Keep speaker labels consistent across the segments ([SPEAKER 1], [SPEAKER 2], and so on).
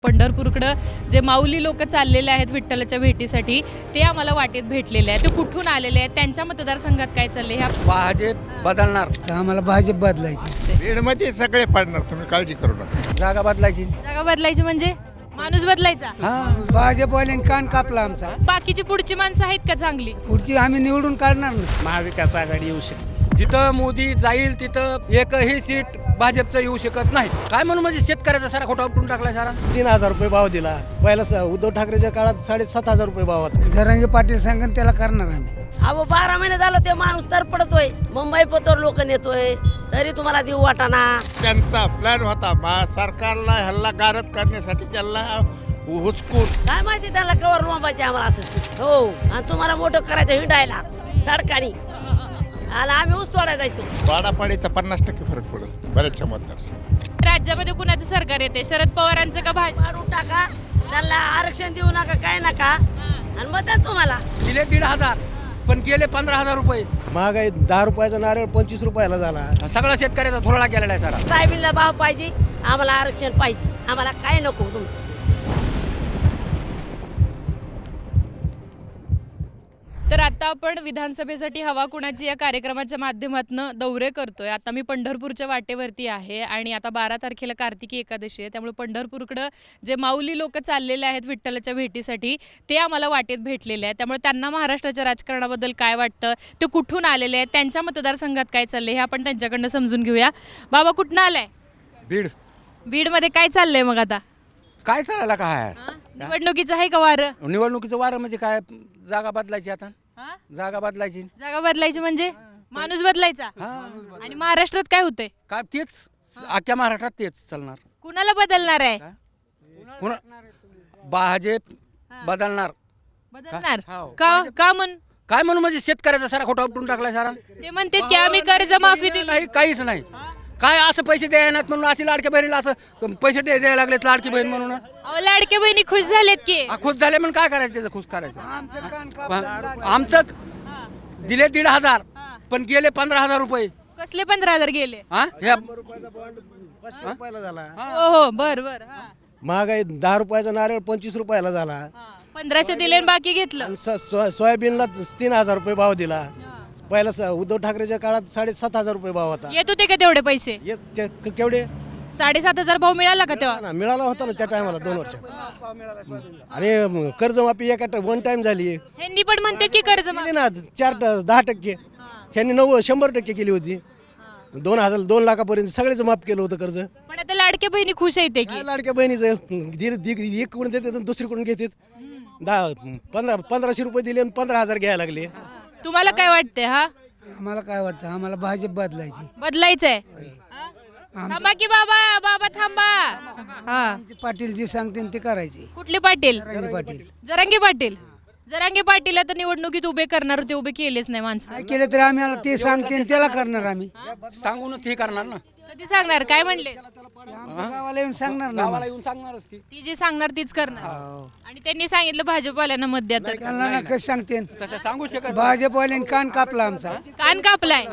[SPEAKER 1] पंढरपूरकडे जे माऊली लोक चाललेले आहेत विठ्ठलाच्या भेटीसाठी ते आम्हाला वाटेत भेटलेले आहेत. ते कुठून आलेले आहेत, त्यांच्या मतदारसंघात काय चालले ह्या
[SPEAKER 2] भाजप बदलणार
[SPEAKER 3] तर आम्हाला भाजप बदलायची.
[SPEAKER 4] बीडमध्ये सगळे पडणार, तुम्ही काळजी करू नका.
[SPEAKER 2] जागा बदलायची.
[SPEAKER 1] जागा बदलायची म्हणजे माणूस बदलायचा.
[SPEAKER 3] भाजपवाल्यांनी कान कापला आमचा.
[SPEAKER 1] बाकीची पुढची माणसं आहेत का चांगली?
[SPEAKER 3] पुढची आम्ही निवडून काढणार ना.
[SPEAKER 5] महाविकास आघाडी येऊ शकते.
[SPEAKER 2] जिथं मोदी जाईल तिथं एकही सीट भाजपचं येऊ शकत नाही. काय म्हणून म्हणजे शेतकऱ्याचा सारा खोटा उपटून टाकलाय सारा.
[SPEAKER 6] 3,000 रुपये भाव दिला. पहिला उद्धव ठाकरेच्या काळात 7,500 रुपये भाव होता.
[SPEAKER 3] जरांगे पाटील सांगन त्याला करणार आम्ही.
[SPEAKER 7] अहो 12 महिने झालं ते माणूस तर पडतोय. मुंबई पतोर लोक नेतोय तरी तुम्हाला देऊ वाटाना.
[SPEAKER 4] त्यांचा प्लॅन होता सरकारला हल्ला गारद करण्यासाठी, त्यांना हुसकून.
[SPEAKER 7] काय माहिती त्याला कवर लोंबायचे आम्हाला असं. हो, आणि तुम्हाला मोठं करायचं हिंडायला सडकानी, आणि आम्ही ऊस तोडायला जायचो.
[SPEAKER 4] वाडापाडीचा 50% फरक पडेल बऱ्याचशा मतदारसंघात.
[SPEAKER 1] राज्यामध्ये कुणाचं सरकार येते, शरद पवारांचं का भाजप?
[SPEAKER 7] पाडून टाका त्यांना, आरक्षण देऊ नका, काय नका, आणि मग तुम्हाला
[SPEAKER 2] दिले 1,500 पण गेले 15,000 रुपये.
[SPEAKER 6] महागाई 10 रुपयाचा नारळ 25 रुपयाला झाला.
[SPEAKER 2] सगळा शेतकऱ्याचा थोडा गेलेला आहे सारा.
[SPEAKER 7] साहेबींना भाव पाहिजे, आम्हाला आरक्षण पाहिजे, आम्हाला काय नको तुमचं.
[SPEAKER 1] तर आता आपण विधानसभेसाठी हवा कुणाची या कार्यक्रमाच्या माध्यमातून दौरे करतोय. आता मी पंढरपूरच्या वाटेवरती आहे आणि आता 12 तारखेला कार्तिकी एकादशी आहे, त्यामुळे पंढरपूरकडे जे माऊली लोक चाललेले आहेत विठ्ठलाच्या भेटीसाठी ते आम्हाला वाटेत भेटलेले आहेत. त्यामुळे त्यांना महाराष्ट्राच्या राजकारणाबद्दल काय वाटतं, ते कुठून आलेले आहेत, त्यांच्या मतदारसंघात काय चाललंय हे आपण त्यांच्याकडनं समजून घेऊया. बाबा कुठनं आलाय?
[SPEAKER 2] बीड.
[SPEAKER 1] बीडमध्ये काय चाललंय मग आता?
[SPEAKER 2] काय चालायला काय
[SPEAKER 1] निवडणुकीचं आहे का वारं?
[SPEAKER 2] निवडणुकीचं वारं म्हणजे काय, जागा बदलायची. आता जागा बदलायची.
[SPEAKER 1] जागा बदलायची म्हणजे माणूस बदलायचा. आणि महाराष्ट्रात काय होतंय?
[SPEAKER 2] काय तेच अख्ख्या महाराष्ट्रात तेच चालणार.
[SPEAKER 1] कुणाला बदलणार आहे?
[SPEAKER 2] भाजप बदलणार.
[SPEAKER 1] बदलणार
[SPEAKER 2] हो.
[SPEAKER 1] का म्हण?
[SPEAKER 2] काय म्हणून म्हणजे शेतकऱ्याचा सारा खोटा उपटून टाकलाय सारा.
[SPEAKER 1] ते म्हणतात की आम्ही कर्ज माफी दिली
[SPEAKER 2] नाही, काहीच नाही. काय असं पैसे द्यायनात म्हणून अशी लाडक्या बहिणीला असं पैसे द्यायला लागलेत लाडकी बहीण म्हणून.
[SPEAKER 1] अहो लाडक्या बहिणी खुश झालेत की.
[SPEAKER 2] खुश झाले म्हणून काय करायचं, त्याचं खुश करायचं. आमचं दिले 1,500 पण गेले 15,000 रुपये.
[SPEAKER 1] कसले 15,000 गेले?
[SPEAKER 2] हा ह्या
[SPEAKER 6] 500 रुपयाला झाला.
[SPEAKER 1] हो हो बर बर.
[SPEAKER 6] महागाई 10 रुपयाचा नारळ 25 रुपयाला झाला.
[SPEAKER 1] 1500 दिले आणि बाकी घेतलं.
[SPEAKER 6] आणि सोयाबीनला 3,000 रुपये भाव दिला. पहिला उद्धव ठाकरेच्या काळात 7,500 रुपये भाव होता.
[SPEAKER 1] येत होते का तेवढे पैसे?
[SPEAKER 6] केवढे?
[SPEAKER 1] 7,500 भाव मिळाला का तेव्हा?
[SPEAKER 6] ना, मिळाला होता ना त्या टायमाला 2 वर्ष. आणि कर्जमाफी एका वन टाइम झाली.
[SPEAKER 1] ह्यांनी पण म्हणते की कर्ज
[SPEAKER 6] केली ना 10%. ह्यांनी 100% केली होती. 2 लाखापर्यंत सगळेच माफ केलं होतं कर्ज.
[SPEAKER 1] पण आता लाडक्या बहिणी खुश येते की.
[SPEAKER 6] काय लाडक्या बहिणीचं एक कडून देतात आणि दुसरीकडून घेतात. 1500 रुपये दिले आणि 15,000 घ्यायला लागले.
[SPEAKER 1] तुम्हाला काय वाटतंय? हा
[SPEAKER 3] आम्हाला काय वाटतं, आम्हाला भाजप बदलायची.
[SPEAKER 1] बदलायचंय. थांबा की बाबा, बाबा थांबा. हा,
[SPEAKER 3] पाटील जी सांगते ते करायची.
[SPEAKER 1] कुठले पाटील?
[SPEAKER 3] जरांगे पाटील.
[SPEAKER 1] जरांगे पाटील. जरांगे पाटील आता निवडणुकीत उभे करणार होते, उभे केलेच नाही माणसं.
[SPEAKER 3] काय केलं तरी आम्ही ते सांगते त्याला करणार आम्ही.
[SPEAKER 2] सांगून ते करणार ना.
[SPEAKER 1] कधी सांगणार? काय म्हणले?
[SPEAKER 3] गावाला येऊन सांगणार ना.
[SPEAKER 2] गावाला येऊन सांगणारच ती.
[SPEAKER 1] ती जी सांगणार तीच करणार.
[SPEAKER 3] हो.
[SPEAKER 1] आणि त्यांनी सांगितलं भाजपवाल्यांना मत द्या तर.
[SPEAKER 3] त्यांना ना कसं सांगते.
[SPEAKER 2] तसं सांगू शकत.
[SPEAKER 3] भाजपवाल्यांनी कान कापला आमचा.
[SPEAKER 1] कान कापलाय.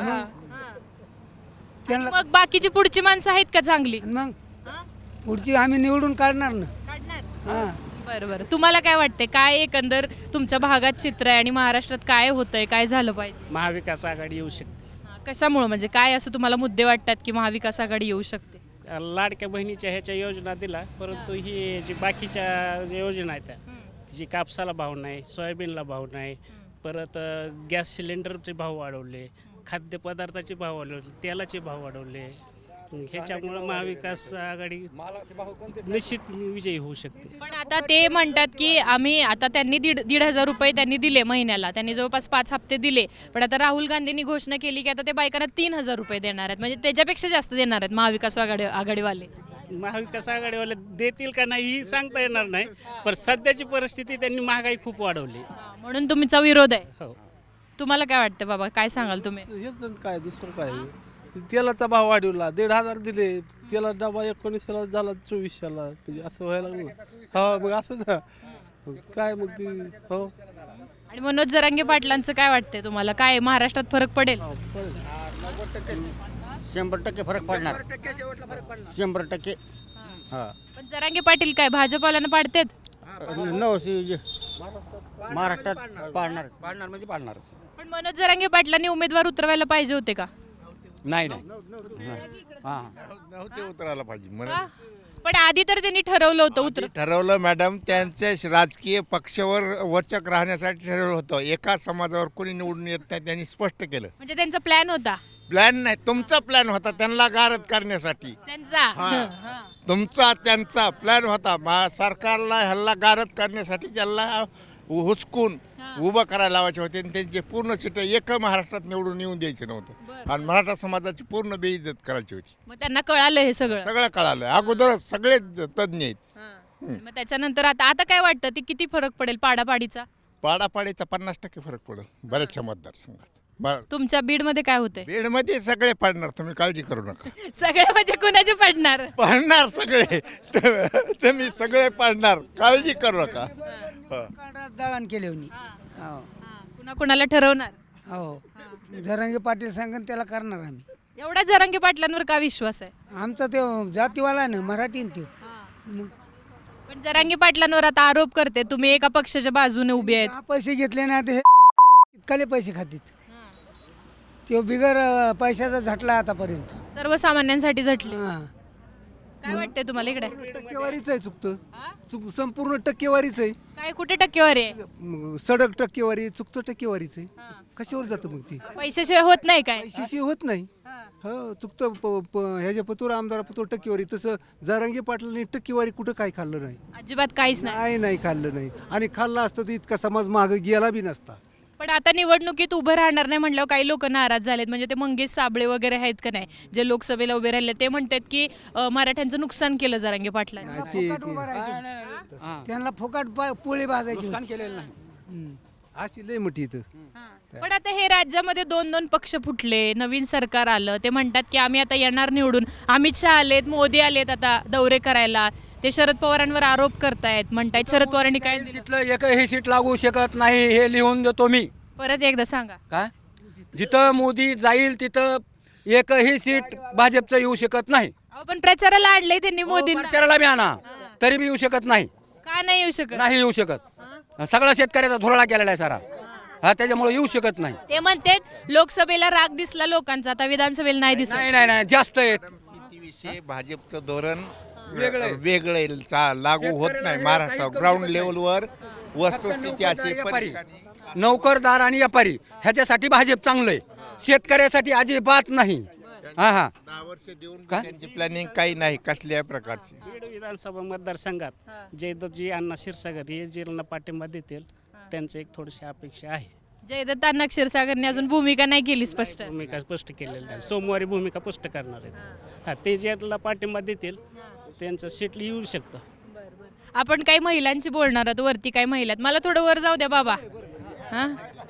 [SPEAKER 3] त्यांना
[SPEAKER 1] मग बाकीची पुढची माणसं आहेत का चांगली?
[SPEAKER 3] मग पुढची आम्ही निवडून काढणार ना. हा.
[SPEAKER 1] बरं बरं. तुम्हाला काय वाटतंय, काय एकंदर तुमच्या भागात चित्र आहे आणि महाराष्ट्रात काय होतंय, काय झालं पाहिजे?
[SPEAKER 5] महाविकास आघाडी येऊ शकते.
[SPEAKER 1] कशामुळे म्हणजे काय असं तुम्हाला मुद्दे वाटतात की महाविकास आघाडी येऊ शकते?
[SPEAKER 5] लाडक्या बहिणीच्या ह्याच्या योजना दिला, परंतु ही जी बाकीच्या ज्या योजना आहेत त्या जी कापसाला भाव नाही, सोयाबीनला भाव नाही, परत गॅस सिलेंडरचे भाव वाढवले, खाद्यपदार्थाचे भाव वाढवले, तेलाचे भाव वाढवले. ह्याच्यामुळं महाविकास आघाडी निश्चित विजयी होऊ शकते.
[SPEAKER 1] पण आता ते म्हणतात की आम्ही आता त्यांनी 1,500 रुपये त्यांनी दिले महिन्याला, त्यांनी जवळपास 5 हप्ते दिले. पण आता राहुल गांधींनी घोषणा केली की आता ते बायकांना 3,000 रुपये देणार आहेत, म्हणजे त्याच्यापेक्षा जास्त देणार आहेत महाविकास आघाडीवाले.
[SPEAKER 5] महाविकास आघाडीवाले देतील का नाही ही सांगता येणार नाही, पण सध्याची परिस्थिती त्यांनी महागाई खूप वाढवली
[SPEAKER 1] म्हणून तुमचा विरोध आहे.
[SPEAKER 5] हो.
[SPEAKER 1] तुम्हाला काय वाटतं बाबा, काय सांगाल तुम्ही?
[SPEAKER 8] हेच काय दुसरं काय, तेलाचा भाव वाढवला, 1,500 दिले. तेला डबा 1900 झाला 2400ला, म्हणजे असं व्हायला लागलं. हो मग असं ना काय मग ती. हो.
[SPEAKER 1] आणि मनोज जरांगे पाटलांचं काय वाटतंय तुम्हाला, काय महाराष्ट्रात फरक पडेल?
[SPEAKER 6] 100% फरक पडणार. 100%.
[SPEAKER 9] हा
[SPEAKER 1] पण जरांगे पाटील काय भाजपवाल्यांना पाडतात?
[SPEAKER 9] नवसी महाराष्ट्रात पाडणार
[SPEAKER 2] पाडणार म्हणजे पाडणारच.
[SPEAKER 1] पण मनोज जरांगे पाटलांनी उमेदवार उतरवायला पाहिजे होते का?
[SPEAKER 2] नाही हां
[SPEAKER 4] नव्हते उतरायला पाहिजे म्हणून
[SPEAKER 1] का? पण आधी तर त्यांनी ठरवलं होतं उतर
[SPEAKER 4] ठरवलं मॅडम, त्यांच्या राजकीय पक्षावर वचक राहण्यासाठी ठरवलं होतं. एका समाजावर कोणी निवडून येत नाही त्यांनी स्पष्ट केलं.
[SPEAKER 1] म्हणजे त्यांचा प्लॅन होता
[SPEAKER 4] प्लॅन नाही, तुमचा प्लॅन होता त्यांना गारद करण्यासाठी.
[SPEAKER 1] त्यांचा. हां.
[SPEAKER 4] तुमचा त्यांचा प्लॅन होता. सरकारला ह्याला गारद करण्यासाठी त्यांना हुसकून उभं करायला लावायचे होते आणि त्यांचे पूर्ण सीट एक महाराष्ट्रात निवडून येऊन द्यायचे नव्हतं आणि मराठा समाजाची पूर्ण बेइज्जत करायची होती.
[SPEAKER 1] मग त्यांना कळालं हे सगळं.
[SPEAKER 4] सगळं कळालं अगोदरच, सगळे तज्ज्ञ आहेत.
[SPEAKER 1] मग त्याच्यानंतर आता काय वाटतं ते किती फरक पडेल पाडापाडीचा?
[SPEAKER 4] पाडापाडीचा 50% फरक पडेल बऱ्याचशा मतदारसंघात.
[SPEAKER 1] तुमच्या बीडमध्ये काय होते?
[SPEAKER 4] बीडमध्ये सगळे पाडणार, तुम्ही काळजी करू नका.
[SPEAKER 1] सगळे म्हणजे कुणाचे पडणार?
[SPEAKER 4] पाडणार सगळे तुम्ही सगळे पाडणार, काळजी करू नका.
[SPEAKER 3] दळण केले होणी.
[SPEAKER 1] कुणा कुणाला ठरवणार?
[SPEAKER 3] हो जरांगे पाटील सांगन त्याला करणार आम्ही.
[SPEAKER 1] एवढा जरांगे पाटलांवर का विश्वास आहे?
[SPEAKER 3] आमचा ते जातीवाला ना मराठी ते.
[SPEAKER 1] पण जरांगे पाटलांवर आता आरोप करते तुम्ही एका पक्षाच्या बाजूने उभे आहेत.
[SPEAKER 3] पैसे घेतले ना ते इतकाले पैसे खातील. तो बिगर पैशाचा झटला आतापर्यंत.
[SPEAKER 1] सर्वसामान्यांसाठी झटले.
[SPEAKER 3] हां.
[SPEAKER 1] काय वाटतंय तुम्हाला इकडे?
[SPEAKER 10] टक्केवारीच आहे, चुकतं संपूर्ण टक्केवारीच आहे.
[SPEAKER 1] काय कुठे टक्केवारी आहे?
[SPEAKER 10] सडक टक्केवारी चुकतं, टक्केवारीच आहे. कशावर जातं मग ती?
[SPEAKER 1] पैशाशिवाय होत नाही काय?
[SPEAKER 10] पैशाशी होत नाही. हो चुकतं ह्याच्या पतोर आमदार पतोर टक्केवारी. तसं जरांगे पाटलांनी टक्केवारी कुठं काय खाल्लं नाही.
[SPEAKER 1] अजिबात काहीच नाही.
[SPEAKER 10] नाही खाल्लं नाही आणि खाल्लं असतं तर इतका समाज मागं गेला बी नसता.
[SPEAKER 1] पण आता निवडणुकीत उभं राहणार नाही म्हणल्यावर काही लोक नाराज झालेत. म्हणजे ते मंगेश साबळे वगैरे आहेत का नाही, जे लोकसभेला उभे राहिले, ते म्हणतात की मराठ्यांचं नुकसान केलं जरांगे पाटलांनी.
[SPEAKER 3] त्यांना फुकट पोळी भाजायची
[SPEAKER 2] नुकसान
[SPEAKER 3] होती.
[SPEAKER 2] केलेलं नाही.
[SPEAKER 10] अशी लय मोठी इथं.
[SPEAKER 1] पण आता हे राज्यामध्ये 2-2 पक्ष फुटले, नवीन सरकार आलं, ते म्हणतात की आम्ही आता येणार निवडून. अमित शहा आलेत, मोदी आलेत आता दौरे करायला. ते शरद पवारांवर आरोप करतायत, म्हणतायत शरद पवारांनी काय दिलं.
[SPEAKER 2] तिथलं एकही सीट लागू शकत नाही हे लिहून देतो मी.
[SPEAKER 1] परत एकदा सांगा.
[SPEAKER 2] काय जिथं मोदी जाईल तिथं एकही सीट भाजपचं येऊ शकत नाही.
[SPEAKER 1] अहो, पण प्रचाराला आणलंय त्यांनी मोदींना.
[SPEAKER 2] प्रचाराला बी आणा तरी बी येऊ शकत नाही.
[SPEAKER 1] का नाही येऊ शकत?
[SPEAKER 2] नाही येऊ शकत. सगळा शेतकऱ्याचा धुरळा केलेला आहे सारा. त्याच्यामुळे येऊ शकत नाही.
[SPEAKER 1] ते म्हणतात लोकसभेला राग दिसला लोकांचा, आता विधानसभेला नाही दिसत.
[SPEAKER 2] नाही जास्त आहेत.
[SPEAKER 4] शेतीविषयी भाजपचं धोरण वेगळं लागू होत नाही महाराष्ट्रात. ग्राउंड लेवलवर वस्तुस्थिती अशी परेशानी.
[SPEAKER 2] नोकरदार आणि व्यापारी ह्याच्यासाठी भाजप चांगलं आहे, शेतकऱ्यासाठी अजिबात नाही.
[SPEAKER 4] 10 वर्ष देऊन त्यांची प्लॅनिंग काही नाही कसल्याही प्रकारची.
[SPEAKER 5] बीड विधानसभा मतदारसंघात जयदत्तजी अण्णा क्षीरसागर हे जिल्हा पाठिंबा देतील, त्यांचं एक थोडीशी अपेक्षा आहे.
[SPEAKER 1] जयदत्त अण्णा क्षीरसागरने अजून भूमिका नाही केली स्पष्ट.
[SPEAKER 5] भूमिका स्पष्ट केलेली नाही, सोमवारी भूमिका स्पष्ट करणार आहेत. ते ज्याला पाठिंबा देतील त्यांचं सीट येऊ शकतं.
[SPEAKER 1] आपण काही महिलांची बोलणार आहोत. वरती काही महिला आहेत. मला थोडं वर जाऊ द्या बाबा. हा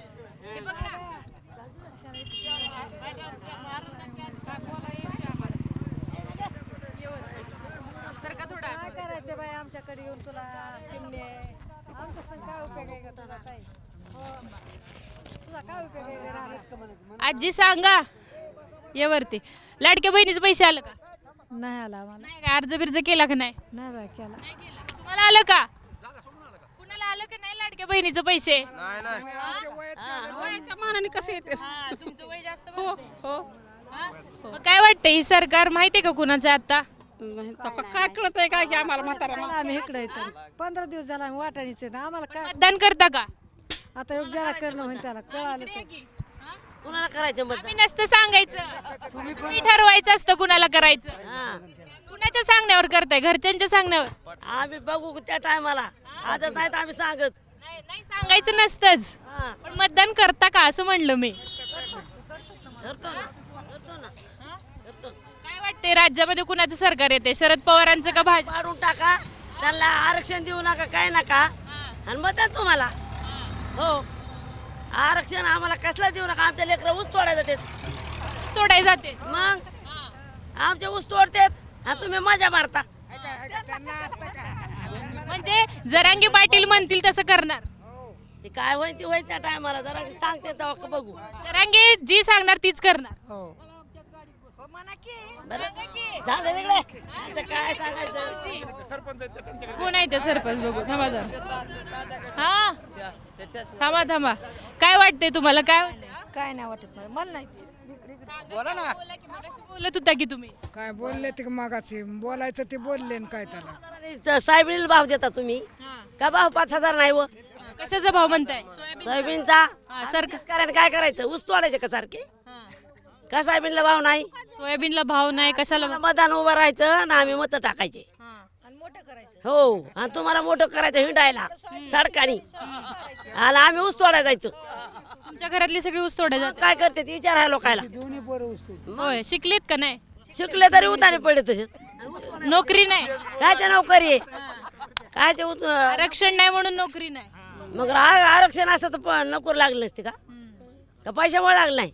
[SPEAKER 1] सरका थोडा.
[SPEAKER 11] काय करायचं बाई आमच्याकडे येऊन तुला चिमणे आमचा संग काय उपयोग आहे का तुला ताई? हो तुझा काय उपयोग आहे राहण्यात?
[SPEAKER 1] आजी सांगा ये वरती. लाडक्या बहिणीचे पैसे आलं का?
[SPEAKER 11] नाही आला मला.
[SPEAKER 1] नाही का? अर्ज बिर्ज केला का नाही?
[SPEAKER 11] नाही बाई केला.
[SPEAKER 1] नाही केला. तुम्हाला आलं का? कुणाला आलं का नाही लाडक्या बहिणीचे पैसे?
[SPEAKER 11] वयाच्या मानाने कसं येते?
[SPEAKER 1] हा, तुमचं वय जास्त बनतंय. हा? मग काय वाटतंय ही सरकार माहितीये का कुणाचं आहे आता?
[SPEAKER 11] काय कळत आहे काय की आम्हाला म्हातारा आम्ही इकडे येतो 15 दिवस झाला आम्ही वाटाणीच आहे आम्हाला काय
[SPEAKER 1] मतदान करता का?
[SPEAKER 11] आता योग ज्याला करणं होईल त्याला कळालं तर.
[SPEAKER 7] कुणाला करायचं मत?
[SPEAKER 1] आम्ही नसतं सांगायचं, तुम्ही ठरवायचं असतं कुणाला करायचं. कुणाच्या सांगण्यावर करताय? घरच्यांच्या सांगण्यावर?
[SPEAKER 7] आम्ही बघू त्या टायमाला. आजच नाही तर आम्ही सांगत
[SPEAKER 1] नाही सांगायचं नसतंच. पण मतदान करता का असं म्हणलं मी.
[SPEAKER 7] करतो ना करतो.
[SPEAKER 1] काय वाटतंय राज्यामध्ये कुणाचं सरकार येते? शरद पवारांचं का भाजप?
[SPEAKER 7] पाडून टाका त्यांना, आरक्षण देऊ नका काय नका आणि मतदान तुम्हाला. हो आरक्षण आम्हाला कसलं देऊ नका. आमच्या लेकरं ऊस तोडायला जातात.
[SPEAKER 1] तोडाय जाते
[SPEAKER 7] मग आमचे ऊस तोडतात आणि तुम्ही मजा मारता.
[SPEAKER 1] म्हणजे जरांगे पाटील म्हणतील तसं करणार.
[SPEAKER 7] ते काय होईल ते होईल त्या टायमाला जरा सांगते तेव्हा बघू.
[SPEAKER 1] जरांगे जी सांगणार तीच करणार.
[SPEAKER 7] बरं झालं तिकडे आता काय सांगायचं.
[SPEAKER 1] कोण आहे ते सरपंच बघू थांबा जरा. हा थांबा थांबा काय वाटतंय तुम्हाला काय वाटतंय?
[SPEAKER 11] काय नाही वाटत मला नाही
[SPEAKER 1] बोला ना. बोलत होता की तुम्ही
[SPEAKER 3] काय बोलले ते मागाचे बोलायचं ते बोलले काय त्याला
[SPEAKER 7] सोयाबीन भाव देता तुम्ही का भाव 5,000 नाही व
[SPEAKER 1] कशाचा भाव म्हणताय?
[SPEAKER 7] सोयाबीनचा
[SPEAKER 1] सरकार
[SPEAKER 7] शेतकऱ्याने काय करायचं ऊस तोडायचे का सारखे का सोयाबीनला भाव नाही
[SPEAKER 1] सोयाबीनला भाव नाही कशाला भाव?
[SPEAKER 7] मतदान उभं राहायचं ना आम्ही मत टाकायचे हो आणि तुम्हाला मोठं करायचं हिंडायला सडकानी आणि आम्ही ऊस तोडायला जायचं.
[SPEAKER 1] तुमच्या घरातली सगळी ऊस तोडायला जातात.
[SPEAKER 7] काय करते ते विचार आहे लोकायला.
[SPEAKER 1] होय शिकलीत का नाही?
[SPEAKER 7] शिकले तरी उतारे पडले तसेच
[SPEAKER 1] नोकरी नाही
[SPEAKER 7] कायच्या नोकरी आहे कायचे
[SPEAKER 1] आरक्षण नाही म्हणून नोकरी नाही.
[SPEAKER 7] मग आरक्षण असतं तर नोकरी लागली नसते का पैशामुळे लागलं नाही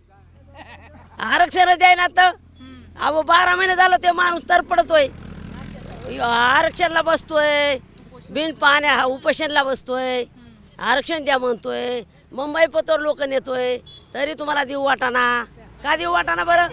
[SPEAKER 7] आरक्षण द्यायला तर अहो 12 महिने झालं ते माणूस तर पडतोय आरक्षणला बसतोय बिन पाण्या उपोषणला बसतोय आरक्षण द्या म्हणतोय मुंबई पतोर लोक नेतोय तरी तुम्हाला देऊ वाटाना का देऊ वाटाना बरं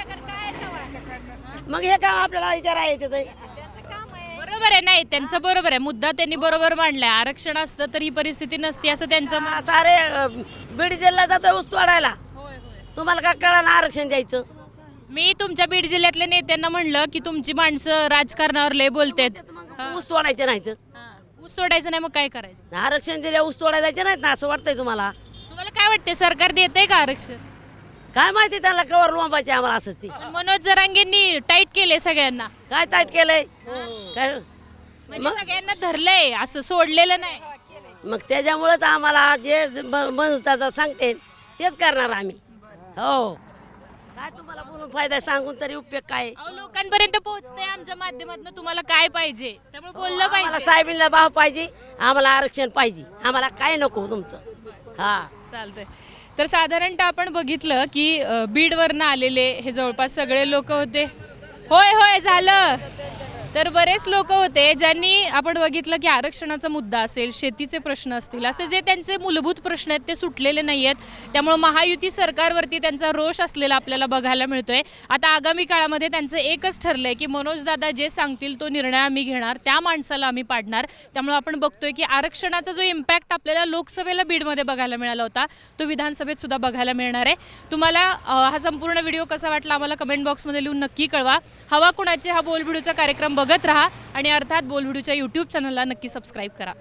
[SPEAKER 7] मग हे काम आपल्याला विचार आहे ते
[SPEAKER 1] बरोबर आहे नाही त्यांचं बरोबर आहे मुद्दा त्यांनी बरोबर मांडलाय आरक्षण असतं तर ही परिस्थिती नसती असं त्यांचं
[SPEAKER 7] सारे बीड जिल्ह्यात जातोय ऊस तोडायला तुम्हाला काय कळलं आरक्षण द्यायचं.
[SPEAKER 1] मी तुमच्या बीड जिल्ह्यातल्या नेत्यांना म्हणलं की तुमची माणसं राजकारणावर लय बोलतेत
[SPEAKER 7] ऊस तोडायचे नाहीत
[SPEAKER 1] ऊस तोडायचं नाही मग काय करायचं?
[SPEAKER 7] आरक्षण दिल्या ऊस तोडायला जायचे नाहीत ना असं वाटतंय तुम्हाला.
[SPEAKER 1] तुम्हाला काय वाटतंय सरकार देतंय का आरक्षण?
[SPEAKER 7] काय माहिती त्याला कवर लोंबायचे आम्हाला असंच ती
[SPEAKER 1] पण मनोज जरांगेंनी टाईट केले सगळ्यांना
[SPEAKER 7] काय ताईट केलंय काय
[SPEAKER 1] म्हणजे सगळ्यांना धरलंय असं सोडलेलं नाही.
[SPEAKER 7] मग त्याच्यामुळेच आम्हाला जे मनोजदादा सांगते तेच करणार आम्ही हो काय तुम्हाला बोलून फायदा सांगून तरी उपयोग काय.
[SPEAKER 1] लोकांपर्यंत पोहोचते आमच्या माध्यमातून तुम्हाला काय पाहिजे त्यामुळे बोललं
[SPEAKER 7] आम्हाला
[SPEAKER 1] पाहिजे.
[SPEAKER 7] साहेबींना भाव पाहिजे आम्हाला आरक्षण पाहिजे आम्हाला काय नको तुमचं. हा
[SPEAKER 1] चालतंय तर साधारणतः आपण बघितलं की बीडवरनं आलेले हे जवळपास सगळे लोक होते. होय होय झालं तर बरेच लोक होते ज्यांनी आपण बघितलं की आरक्षणाचा मुद्दा असेल शेतीचे प्रश्न असतील असे जे त्यांचे मूलभूत प्रश्न आहेत ते सुटलेले नाही आहेत त्यामुळे महायुती सरकारवरती त्यांचा रोष असलेला आपल्याला बघायला मिळतोय. आता आगामी काळामध्ये त्यांचं एकच ठरलंय की मनोजदादा जे सांगतील तो निर्णय आम्ही घेणार त्या माणसाला आम्ही पाडणार. त्यामुळे आपण बघतोय की आरक्षणाचा जो इम्पॅक्ट आपल्याला लोकसभेला बीडमध्ये बघायला मिळाला होता तो विधानसभेत सुद्धा बघायला मिळणार आहे. तुम्हाला हा संपूर्ण व्हिडिओ कसा वाटला आम्हाला कमेंट बॉक्समध्ये लिहून नक्की कळवा. हवा कुणाचे हा बोलबिडूचा कार्यक्रम बघत राहा आणि अर्थात बोलबिडूच्या यूट्यूब चॅनलला नक्की सबस्क्राईब करा.